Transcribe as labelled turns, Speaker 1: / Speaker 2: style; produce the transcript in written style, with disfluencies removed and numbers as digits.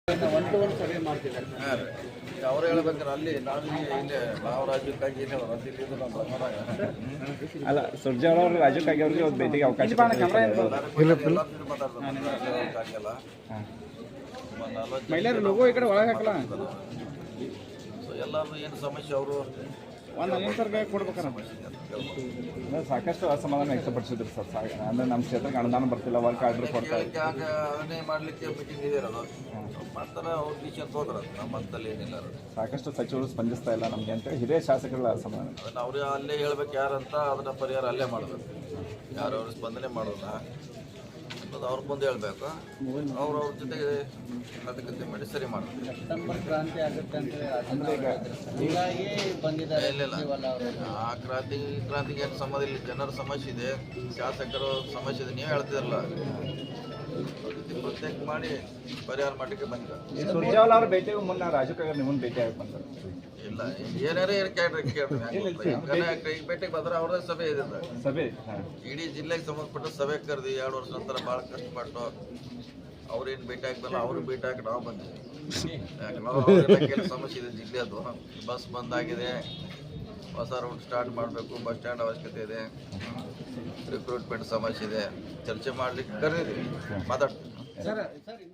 Speaker 1: One to one ಸಭೆ ಮಾಡ್ತಿದ್ದಾರೆ.
Speaker 2: ಹಾಂ ರೀ, ಅವ್ರು ಹೇಳ್ಬೇಕಾರೆ ಅಲ್ಲಿ ನಾನು ಇಲ್ಲೇ ನಾವು ರಾಜ್ಯಕ್ಕಾಗಿ ಏನೇ ರದ್ದಿದ್ದು ನಮ್ಮ ಪ್ರಕಾರ
Speaker 3: ಅಲ್ಲ ಸುರ್ಜೇವಾಲ ಅವರು ರಾಜಕ್ಕಾಗಿ ಅವ್ರಿಗೆ ಒಂದು ಭೇಟಿಗೆ ಅವಕಾಶ
Speaker 1: ಮಹಿಳೆಯರು ಲೋಗೋ ಈ ಕಡೆ ಒಳಗೆ ಹಾಕಲ್ಲ.
Speaker 2: ಸೊ ಎಲ್ಲರೂ ಏನು ಸಮಸ್ಯೆ ಅವರು
Speaker 1: ಒಂದು ಅನಿಸರ್ಗ ಕೊಡ್ಬೇಕಾರ
Speaker 3: ಸಾಕಷ್ಟು ಅಸಮಾಧಾನ ವ್ಯಕ್ತಪಡಿಸಿದ್ರು ಸರ್. ಅಂದರೆ ನಮ್ಮ ಕ್ಷೇತ್ರಕ್ಕೆ ಅನುದಾನ ಬರ್ತಿಲ್ಲ, ವರ್ಕ್ ಆರ್ಡರ್ ಕೊಡ್ತಾ
Speaker 2: ಅದನ್ನೇ ಮಾಡಲಿಕ್ಕೆ ಮೀಟಿಂಗ್ ಇದೆ ಇರೋದು ಮಾಡ್ತಾರೆ. ಅವ್ರು ಡಿಸಿಷನ್ ತೊಗೊಂಡ್ರೆ ನಮ್ಮ ಹಂತಲ್ಲಿ ಏನಿಲ್ಲ.
Speaker 3: ಸಾಕಷ್ಟು ಸಚಿವರು ಸ್ಪಂದಿಸ್ತಾ ಇಲ್ಲ ನಮಗೆ ಅಂತೇಳಿ ಹಿರಿಯ ಶಾಸಕಗಳ ಅಸಮಾಧಾನ.
Speaker 2: ಅದನ್ನು ಅವರೇ ಅಲ್ಲೇ ಹೇಳ್ಬೇಕು ಯಾರಂತ, ಅದನ್ನ ಪರಿಹಾರ ಅಲ್ಲೇ ಮಾಡಬೇಕು. ಯಾರು ಅವ್ರ ಸ್ಪಂದನೆ ಮಾಡೋಲ್ಲ ಅನ್ನೋದು ಅವ್ರ ಮುಂದೆ ಹೇಳ್ಬೇಕು. ಅವ್ರ ಜೊತೆಗೆ ಮಾತುಕತೆ ಮಾಡಿ ಸರಿ ಮಾಡಬೇಕು.
Speaker 1: ಸೆಪ್ಟೆಂಬರ್ ಕ್ರಾಂತಿ ಆಗುತ್ತೆ ಅಂತ
Speaker 3: ಅಂದರೆ
Speaker 1: ಹೀಗಾಗಿ ಬಂದಿದ್ದಾರೆ.
Speaker 2: ಇಲ್ಲ ಆ ಕ್ರಾಂತಿಗೆ ಏನು ಸಂಬಂಧ ಇಲ್ಲ. ಜನರ ಸಮಸ್ಯೆ ಇದೆ, ಶಾಸಕರು ಸಮಸ್ಯೆ ಇದೆ. ನೀವು ಹೇಳ್ತಿರಲ್ಲ, ಪ್ರತ್ಯೇಕ ಮಾಡಿ ಪರಿಹಾರ ಮಾಡಲಿಕ್ಕೆ ಬಂದಿದ್ದಾರೆ.
Speaker 3: ಸುರ್ಜೇವಾಲ ಅವ್ರ ಭೇಟಿಗೂ ಮುನ್ನ ರಾಜಕಾಗ ನಿಮ್ಮನ್ನು ಭೇಟಿ ಆಗಿ ಬಂದರು.
Speaker 2: ಇಲ್ಲ ಏನಾರೇ ಭೇಟಿಗೆ ಬಂದ್ರೆ ಅವ್ರದೇ ಸಭೆ ಇದೆ.
Speaker 3: ಸಭೆ
Speaker 2: ಇಡೀ ಜಿಲ್ಲೆಗೆ ಸಂಬಂಧಪಟ್ಟ ಸಭೆ ಕರೆದಿ 2 ವರ್ಷ ನಂತರ ಭಾಳ ಕಷ್ಟಪಟ್ಟು ಅವ್ರೇನು ಭೇಟಿ ಹಾಕ್ಬಲ್ಲ, ಅವ್ರಿಗೆ ಭೇಟಿ ಹಾಕಿ ನಾವು ಬಂದಿದ್ದೀವಿ. ಯಾಕಂದ್ರೆ ಕೆಲವು ಸಮಸ್ಯೆ ಇದೆ ಜಿಲ್ಲೆದು. ಬಸ್ ಬಂದಾಗಿದೆ, ಹೊಸ ರೂಟ್ ಸ್ಟಾರ್ಟ್ ಮಾಡಬೇಕು, ಬಸ್ ಸ್ಟ್ಯಾಂಡ್ ಅವಶ್ಯಕತೆ ಇದೆ, ರಿಕ್ರೂಟ್ಮೆಂಟ್ ಸಮಸ್ಯೆ ಇದೆ, ಚರ್ಚೆ ಮಾಡಲಿಕ್ಕೆ ಕರೆದಿದ್ದೀವಿ, ಮಾತಾಡ್ತೀವಿ.
Speaker 1: ಸರ್